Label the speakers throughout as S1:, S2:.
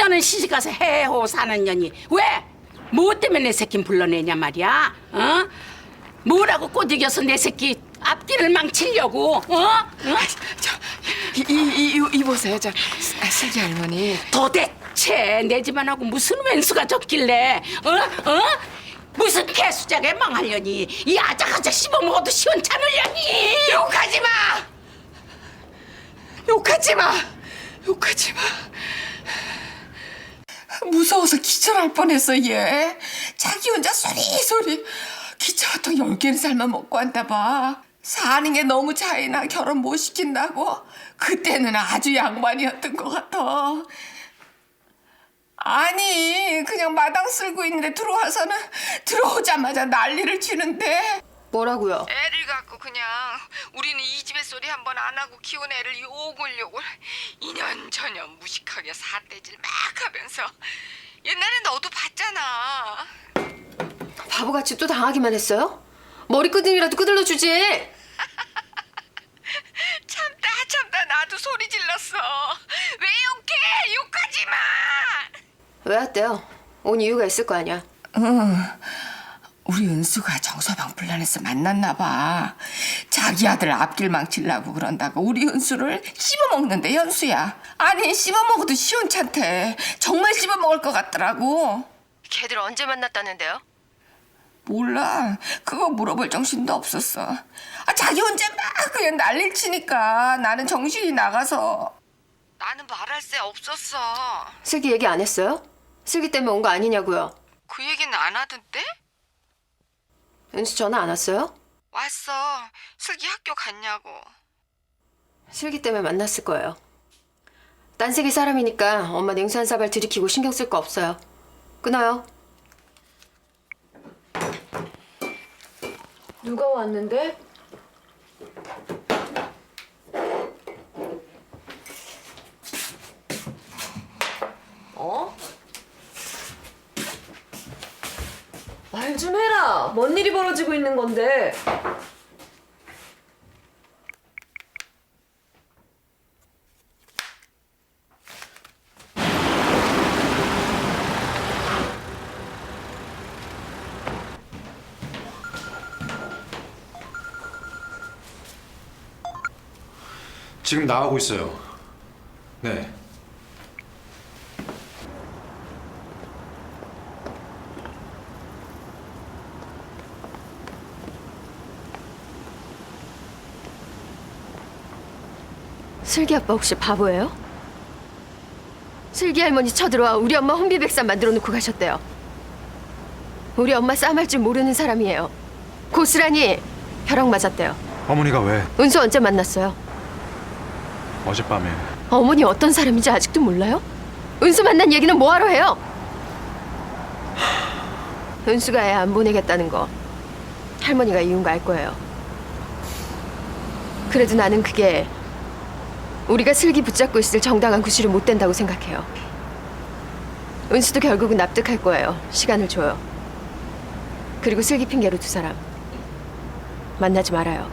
S1: 너는 시집가서 해호 사는 년이 왜? 뭐 때문에 내 새끼 불러내냐 말이야? 어? 뭐라고 꼬드겨서 내 새끼 앞길을 망치려고? 어? 응?
S2: 이보세요, 슬기 할머니.
S1: 도대체 내 집안하고 무슨 왼수가 졌길래? 어? 무슨 개수작에 망하려니? 이 아작아작 씹어먹어도 시원찮으려니?
S2: 욕하지 마! 욕하지 마! 욕하지 마! 무서워서 기절할 뻔했어, 얘. 자기 혼자 소리. 기차 같은 10개는 살만 먹고 한다 봐. 사는 게 너무 차이나 결혼 못 시킨다고. 그때는 아주 양반이었던 것 같아. 아니, 그냥 마당 쓸고 있는데 들어오자마자 난리를 치는데.
S3: 뭐라고요?
S2: 애를 갖고 그냥 우리는 이 집의 소리 한 번 안 하고 키운 애를 욕을 이년저년 무식하게 삿대질 막 하면서. 옛날에 너도 봤잖아.
S3: 바보같이 또 당하기만 했어요? 머리끄댕이라도 끄들러 주지.
S2: 참다 나도 소리 질렀어. 왜 욕해? 욕하지 마.
S3: 왜 왔대요? 온 이유가 있을 거 아니야.
S2: 우리 은수가 정서방 불러내서 만났나 봐. 자기 아들 앞길 망치려고 그런다고 우리 은수를 씹어먹는데 현수야. 아니 씹어먹어도 시원찮대. 정말 씹어먹을 것 같더라고.
S3: 걔들 언제 만났다는데요?
S2: 몰라. 그거 물어볼 정신도 없었어. 자기 혼자 막 그냥 난리를 치니까 나는 정신이 나가서. 나는 말할 새 없었어.
S3: 슬기 얘기 안 했어요? 슬기 때문에 온 거 아니냐고요.
S2: 그 얘기는 안 하던데?
S3: 은수 전화 안 왔어요?
S2: 왔어. 슬기 학교 갔냐고.
S3: 슬기 때문에 만났을 거예요. 딴세기 사람이니까 엄마 냉수 한 사발 들이키고 신경 쓸 거 없어요. 끊어요. 누가 왔는데? 어? 말 좀 해라. 뭔 일이 벌어지고 있는 건데.
S4: 지금 나가고 있어요. 네.
S3: 슬기 아빠 혹시 바보예요? 슬기 할머니 쳐들어와 우리 엄마 혼비백산 만들어 놓고 가셨대요. 우리 엄마 싸움할 줄 모르는 사람이에요. 고스란히 벼락 맞았대요.
S4: 어머니가 왜?
S3: 은수 언제 만났어요?
S4: 어젯밤에.
S3: 어머니 어떤 사람인지 아직도 몰라요? 은수 만난 얘기는 뭐하러 해요? 은수가 애 안 보내겠다는 거 할머니가 이유인 거 알 거예요. 그래도 나는 그게 우리가 슬기 붙잡고 있을 정당한 구실이 못 된다고 생각해요. 은수도 결국은 납득할 거예요. 시간을 줘요. 그리고 슬기 핑계로 두 사람 만나지 말아요.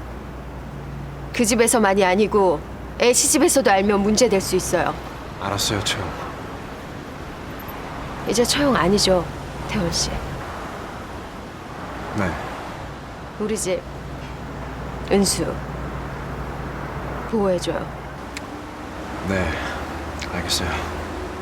S3: 그 집에서만이 아니고 애 시집에서도 알면 문제될 수 있어요.
S4: 알았어요, 채영.
S3: 이제 처형 아니죠, 태원 씨.
S4: 네.
S3: 우리 집 은수 보호해줘요.
S4: 네. 알겠어요.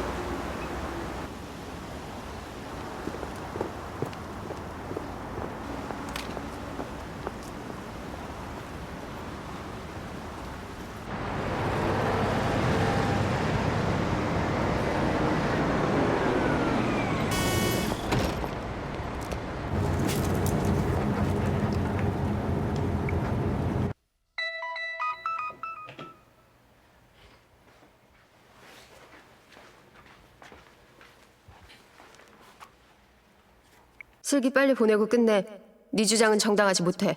S3: 슬기 빨리 보내고 끝내. 네 주장은 정당하지 못해.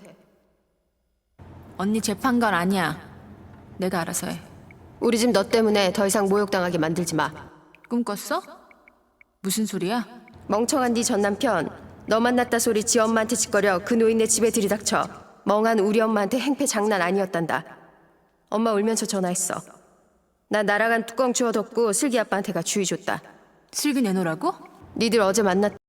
S5: 언니 재판관 아니야. 내가 알아서 해.
S3: 우리 집 너 때문에 더 이상 모욕당하게 만들지 마.
S5: 꿈꿨어? 무슨 소리야?
S3: 멍청한 네 전남편 너 만났다 소리 지 엄마한테 짓거려 그 노인네 집에 들이닥쳐 멍한 우리 엄마한테 행패 장난 아니었단다. 엄마 울면서 전화했어. 나 날아간 뚜껑 주워 덮고 슬기 아빠한테 가 주의 줬다.
S5: 슬기 내놓으라고?
S3: 니들 어제 만났